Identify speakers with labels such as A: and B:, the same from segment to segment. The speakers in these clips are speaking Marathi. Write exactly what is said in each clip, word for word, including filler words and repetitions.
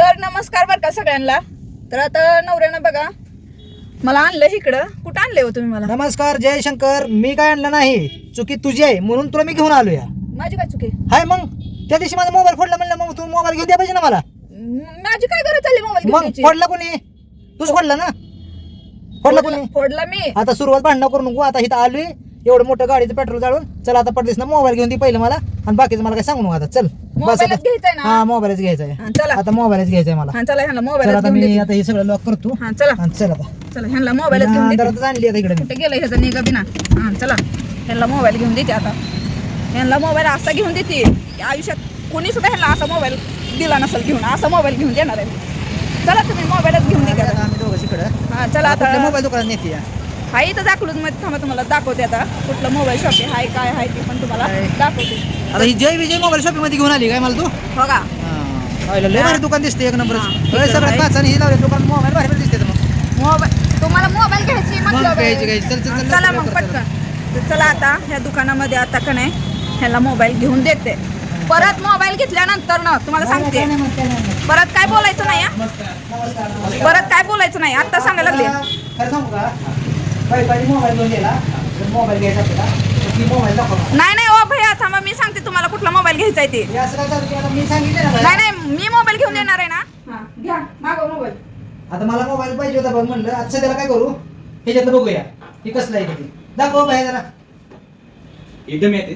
A: तर नमस्कार बरं का सगळ्यांना. तर आता नवऱ्यानं बघा मला आणलं इकडं. कुठं आणले हो तुम्ही मला?
B: नमस्कार जय शंकर. मी काय आणलं नाही, चुकी तुझी आहे म्हणून तुला मी घेऊन आलो या.
A: माझी काय चुकी?
B: हाय मग त्या दिवशी माझा मोबाईल फोडला म्हणलं, मग तू मोबाईल घेऊन द्या पाहिजे ना मला.
A: माझी काय गरज चालली मोबाईल
B: मग
A: घेण्याची?
B: फोडला कोणी? तूच फोडला ना. फोडला कोणी?
A: फोडला मी.
B: आता सुरुवात भांडणं करू नको. आता इथं आलोय, एवढं मोठं गाडीचं पेट्रोल जाळून. चल आता पडलीस ना, मोबाईल घेऊन दे पहिलं मला, आणि बाकीचं मला काय सांगू नको. आता चल बस.
A: मोबाईलच घ्यायचाय ना?
B: हा मोबाईलच घ्यायचा आहे.
A: हा, चला
B: आता मोबाईलच घ्यायचा आहे मला.
A: हा चला ह्यांना
B: चल
A: मोबाईल
B: आता
A: घेऊन
B: मी
A: दे.
B: आता हे सगळं लॉक करतो.
A: हा चला
B: आणि चल आता
A: चला ह्यांना मोबाईलच घेऊन दे.
B: अंधारातच आणली आता इकडे मी.
A: कुठे गेलं ह्याचा निघा बिना. हा चला ह्यांना मोबाईल घेऊन देते. आता ह्यांना मोबाईल असा घेऊन देते की आयुष्यात कोणी सुद्धा ह्यांना असा मोबाईल दिला नसेल घेऊन. असा मोबाईल घेऊन देणार आहे. चला तुम्ही मोबाईलच घेऊन देते आता.
B: आम्ही दोघं इकडं.
A: हा चला आता
B: मोबाईल दुकानात नेते.
A: हा इथं दाखवलं मध्ये थांबा, तुम्हाला दाखवते आता कुठलं मोबाईल शॉप आहे, हाय काय आहे ते पण तुम्हाला दाखवते.
B: आता ही जय विजय मोबाईल शॉपिंग मध्ये घेऊन आली काय मला तू?
A: हो का?
B: लय भारी दुकान दिसते एक नंबर.
A: हा, ठीक
B: सगळं
A: आहे.
B: काच आणि ही लावले दुकान. मोबाईल भारी भारी दिसते मग.
A: मोबाईल तुम्हाला मोबाईल घ्यायची मतलब
B: मग घ्यायची, घ्यायची. चल, चल, चल,
A: चला
B: चल,
A: मग
B: चल,
A: पटकन. तर चला आता ह्या दुकानामध्ये आता का नाही ह्याला मोबाईल घेऊन देते. परत मोबाईल घेतल्यानंतर ना तुम्हाला सांगते परत काय बोलायचं नाही हा? परत काय बोलायचं नाही आता सांगायला लागले.
B: खरं सांगू का, काही काही मोबाईल घेऊन गेला, मोबाईल घ्यायचा आपल्याला, तर ती मोबाईल दाखव.
A: नाही नाही ओ भैया थांबा, मी सांगते तुम्हाला कुठला मोबाईल घ्यायचा आहे ते.
B: हे असं काय चालू केलं? मी सांगितलं ना
A: नाही
B: बाई.
A: नाही मी मोबाईल घेऊन देणार आहे ना. हा घ्या मागव मोबाईल.
B: आता मला मोबाईल पाहिजे होता बघ, म्हणलं आता त्याला काय करू, ह्याच्यात बघूया हे कसलं आहे ते. दाखव बाहेर जरा.
C: एकदम येते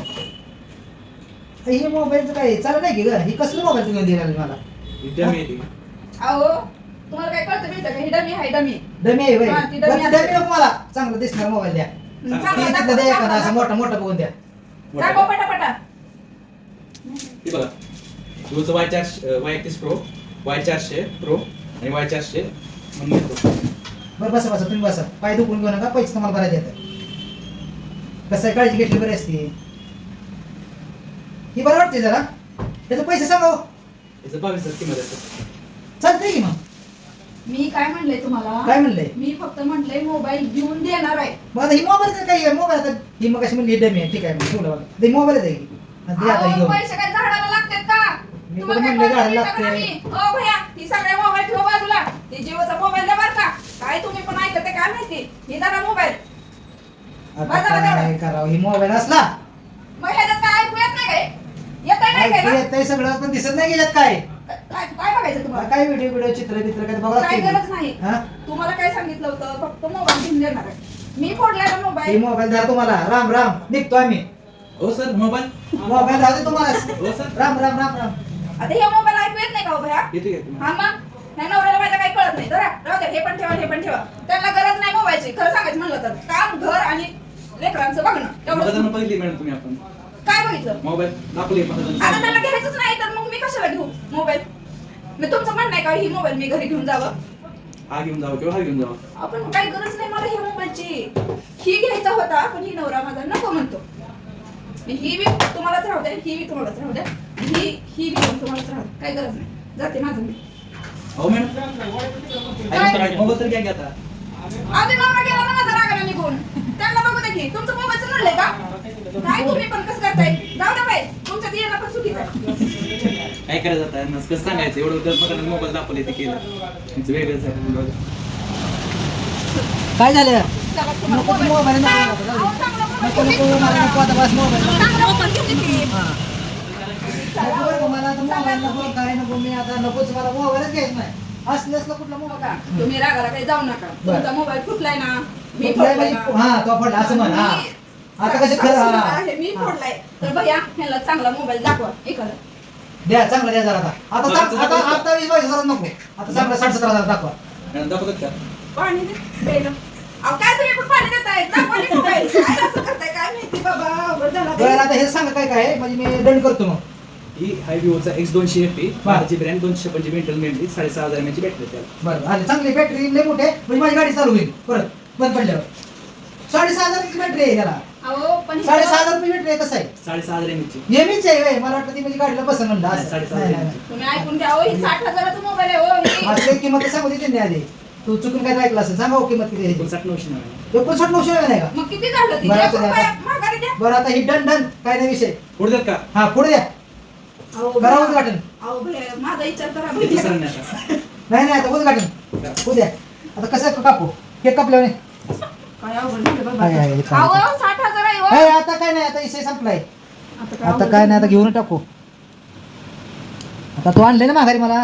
B: हे मोबाईलचं काय चालत नाही की ग? ही कसलं मोबाईल घेऊन दिला मला?
C: एकदम येते
A: अहो तुम्हाला काय कळतं माहिती का? ही डमी आहे डमी.
B: डमी आहे
A: हा, ती डमी
B: बरं,
A: असते.
B: डमी नको मला, चांगलं दिसणार मोबाईल द्या.
A: चांगला
B: ती
A: दाखव,
B: तिथलं द्या एखादा
A: दाखव,
B: असं मोठा मोठा बघून द्या.
A: दाखव पटापटा.
C: हे बघा तुझं वाय चारशे वाय एकतीस प्रो, वाय चारशे प्रो आणि वाय चारशे म्हणून येतो.
B: बरं बसा बसा, तुम्ही बसा. पाय दुखून घेऊ नका, पैसे तुम्हाला भरायचे येतात. कसं आहे, काळजी घेतली बरी असते. ही बरं वाटते जरा. त्याचे पैसे सांगा.
C: याचं बावीस हजार किंमत असते.
B: चालतंय की मग.
A: मी काय म्हणले तुम्हाला?
B: काय म्हणलंय?
A: मी फक्त म्हणले मोबाईल घेऊन देणार आहे.
B: मग आता ही मोबाईल काही आहे, मोबाईल आता ही मग कशी म्हणली डमी आहे, ठीक आहे मग ठेवलं बघा. ते मोबाईलच आहे की. आणि ते आता
A: अहो,
B: घेऊन.
A: पैसे काय झाडाला लागतात का?
B: मी
A: तुम्हाला
B: पण
A: काय
B: म्हणलं
A: कळतं
B: झाडाला
A: नाही का
B: लागतंय.
A: मी? ओ भैया ती सगळे मोबाईल ठेव बाजूला. ते जिओचा मोबाईल द्या बरं का. काय तुम्ही पण ऐकत आहे काय माहिती? हे दादा मोबाईल.
B: आता काय करावं, ही मोबाईल असला
A: मग ह्याच्यात काय ऐकू येत नाही काय? येत नाही काय ना?
B: येतंय सगळं, पण दिसत नाही गेल्यात काय.
A: काय काय बघायचं तुम्हाला?
B: काय व्हिडिओ व्हिडिओ चित्र बित्र काय बघा
A: काय
B: लागतंय
A: गरज
B: की.
A: नाही.
B: हा?
A: तुम्हाला काय सांगितलं होतं? फक्त मोबाईल घेऊन देणार आहे. मी फोडला ना
B: ही
A: मोबाईल.
B: मोबाईल द्या तुम्हाला. राम राम, निघतो आम्ही.
C: हो सर मोबाईल
B: मोबाईल द्या दे तुम्हाला.
C: हो सर
B: राम राम राम राम.
A: आता हे मोबाईल ऐकू येत नाही का हो भैया?
C: येते का
A: हा मग नाही नवऱ्याला माझ्या काही कळत नाही. जरा राहू द्या, हे पण ठेवा हे पण ठेवा. त्यांना गरज नाही मोबाईलची. खरं सांगायचं म्हणलं तर काम घर आणि लेकरांचं बघणं
C: तुम्हाला
A: तेवढं.
C: बघितली मॅडम तुम्ही आपण
A: काय बघितलं?
C: मोबाईल दाखवली
A: आता त्याला घ्यायचंच नाही तर मग मी कशाला घेऊ मोबाईल? मी तुमचं म्हणणं आहे का ही मोबाईल मी घरी घेऊन जावं?
C: हा घेऊन जावं किंवा हा घेऊन जावं.
A: आपण काही गरज नाही मला ह्या मोबाईलची. ही घ्यायचा होता पण ही नवरा माझा नको म्हणतो. ही बी तुम्हालाच राहू द्या, ही बी तुम्हालाच राहू द्या, ही ही बी तुम्हालाच राहू द्या. काही गरज नाही, जाते माझं मी.
C: हो मॅडम मोबाईल तर घ्या की आता.
A: आधी नवरा गेला ना माझा रागाला निघून. त्यांना बघू दे की तुमचं मोबाईलचं म्हणलंय का? काय तुम्ही पण कसं करताय? जाऊ द्या बाई, तुमच्यात येणं पण चुकीचं आहे.
C: काय करायचं आता यांना कसं सांगायचं एवढं तर मोबाईल दाखवले ते केलं त्यांचं वेगळंच आहे.
B: काय झालं?
A: चला, तुम्हाला
B: नको
A: मोबाईल-
B: मोबाईल नको
A: अहो,
B: नको, जाऊ
A: चांगला
B: दे.
A: मोबाईल
B: नको
A: घेऊन
B: नको,
A: दे
B: मला नको आता बस मोबाईल नको.
A: चांगला मोबाईल घेऊन दे की.
B: हा. नको बरं का, मला आता मोबाईल नको, काय नको, मी आता नकोच, मला मोबाईलच घ्यायचा नाही. असलं असलं कुठला
A: हो
B: मोबाईल.
A: का? तुम्ही रागाला काही जाऊ नका.
B: बरं.
A: तुमचा मोबाईल फुटलाय ना, मी
B: कुठलाही
A: फोडलाय
B: म्हणजे-
A: ना.
B: हा तो फोडला असं म्हण. हा
A: मी-
B: आता कसं खरं
A: सासूला
B: हा.
A: आहे, मी
B: हा.
A: फोडलाय तर भैया ह्याला चांगला मोबाईल दाखवा एखादा.
B: द्या चांगला द्या जरा आता. आता
C: बरं,
B: चांग-
C: आता-
B: आता आता वीस बावीस हजार नको. आता चांगला साठ सतरा हजार दाखवा.
C: मॅडम दाखवतात का?
A: पाणी दे प्यायला. अहो काय तुम्ही पण पाणी देताय? दाखवा की मोबाईल. काय असं करताय काय माहिती बाबा, अवघड झाला
B: बरं
A: बाई.
B: आता हे सांगा काय काय आहे, म्हणजे मी दंड करतो मग.
C: ही हाय विवोचा एक्स दोनशे एफ पी
B: बरं.
C: बाराची ब्रँड दोनशे पंचवीस मेंटल मेमरी साडेसहा हजार एम एच बॅटरी त्याला.
B: बरं आले, चांगली बॅटरी लय मोठे म्हणजे माझी गाडी चालू होईल परत बंद पडल्यावर. साडेसहा हजाराची बॅटरी आहे त्याला.
A: अहो पण
B: साडेसहा हजार रुपये बॅटरी आहे. कसं आहे,
C: साडेसहा हजार एम एच ची
B: नेहमीच आहे होय. मला वाटतं ती म्हणजे गाडीला बसन म्हणलं
C: नाही,
B: असं.
C: साडेसहा
B: नाही,
C: हजार.
B: नाही, नाही.
A: तुम्ही ऐकून घ्या. हो ही साठ हजाराचा मोबाईल आहे हो ही.
B: असली किंमत सांगू दे त्यांनी आधी. तू चुकून काय ऐकलं असेल, सांगा हो किंमत किती आहे.
C: एकोणसाठ नऊशे नव्याण्णव.
B: एकोणसाठ नऊशे नाही का?
A: मग किती झालं ती?
B: बरं,
A: एक
B: आता
A: रुपया
B: द्या.
A: माघारी द्या.
B: बरं आता ही डन डन काय नाही विषय.
C: पुढे देत का?
B: हा पुढे द्या.
A: अहो,
B: करा उद्घाटन.
A: अहो भैया, माझा विचार करा
C: ते
A: भैया.
C: दुसरं नाही आता.
B: नाही नाही आता उद्घाटन उद्या. आता कसं कापू केक कापल्याने
A: काय अवघड झालं बाबा.
B: आहे, आहे, चालेल.
A: अहो, साठ हजार आहे हो.
B: हे आता काय नाही आता विषय संपलाय.
A: आता काय
B: आता
A: अवघड
B: काय नाही आता
A: झालं.
B: घेऊन टाकू. आता तू आणले ना माघारी मला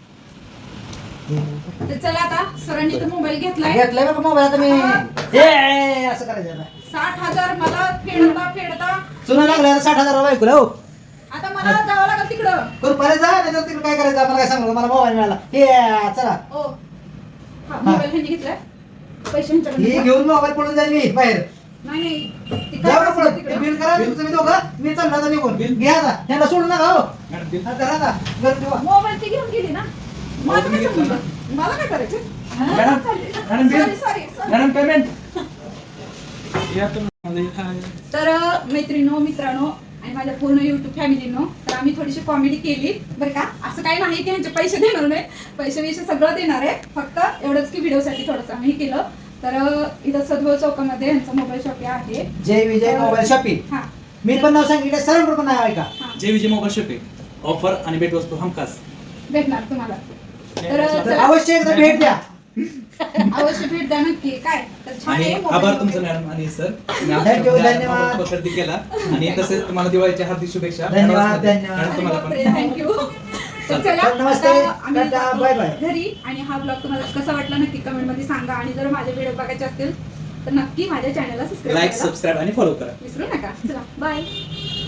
A: तर चला आता सरांनी तो मोबाईल घेतलाय.
B: घेतलाय बघा मोबाईल आता मी ए, असं करायचं आता.
A: साठ हजार मला फेडता फेडता
B: चुना लागला आता साठ हजार रुपये ऐकू हो.
A: आता मला जावं लागेल तिकडं.
B: कृपया जा नाही तर तिकडे काय करायचं मला काय सांगू मला मोबाईल मिळाला हे चला
A: ओ हा मोबाईल ह्यांनी घेतलाय. पैसे ह्यांच्याकडे
B: हे
A: द्या.
B: घेऊन मोबाईल पडून जाईल मी बाहेर.
A: नाही नाही ते काय
B: जाऊ का
A: करतात
B: पुढं?
A: तिकडं?
B: बिल करा तुम्ही दोघं मी चाललो आता निघून घ्या आता यांना सोडू नका हो
C: मॅडम, ते-
B: आता राहा घरी ठेवा.
A: मोबाईल ती घेऊन गेली ना. मला
C: तुम्ही
A: काय
C: घेतला
A: समजलं? मला काय करायचं?
C: Madam, madam, bill.
A: Sorry sorry sorry.
C: Madam payment या तुम्ही.
A: तर मैत्रिणीनो मित्रांनो आणि माझ्या पूर्ण युट्यूब फॅमिलीनो तर आम्ही थोडीशी कॉमेडी केली बरं का. असं काही नाही की ह्यांचे पैसे देणार नाही. पैसे विषय सगळं देणार आहे. फक्त एवढंच की व्हिडिओसाठी थोडंसं आम्ही केलं. तर इथं सदभाव चौकामध्ये ह्यांचा मोबाईल शॉप आहे.
B: जय विजय मोबाईल शॉपिंग
A: हा
B: मी पण नाव सांगितलं सरांकडे पण नाव ऐका.
A: हा
C: Jay Vijay mobile shopping offer आणि भेटवस्तू हमखास.
A: भेटणार तुम्हाला. तर
B: तर
A: चला,
B: अवश्य एकदा भेट द्या.
A: अवश्य भेट द्या नक्की. काय तर छान
C: आणि
A: आहे
C: आभार
A: मोबाईल
C: तुमचं
A: वगैरे.
C: मॅडम आणि सर
B: Thank you, धन्यवाद.
C: खरेदी केला आणि तसेच तुम्हाला दिवाळीच्या हार्दिक शुभेच्छा.
B: धन्यवाद, धन्यवाद.
C: मॅडम, तुम्हाला पण.
A: थँक्यू. तर चला
B: तर नमस्ते.
A: आता आम्ही
B: टाटा,
A: जातो
B: बाय बाय.
A: घरी. आणि हा ब्लॉग तुम्हाला कसा वाटला नक्की कमेंट मध्ये सांगा. आणि जर माझे व्हिडिओ बघायचे असतील तर नक्की माझ्या चॅनलला सबस्क्राईब
C: लाईक
A: करायला
C: सबस्क्राईब आणि फॉलो करा.
A: विसरू नका. चला बाय.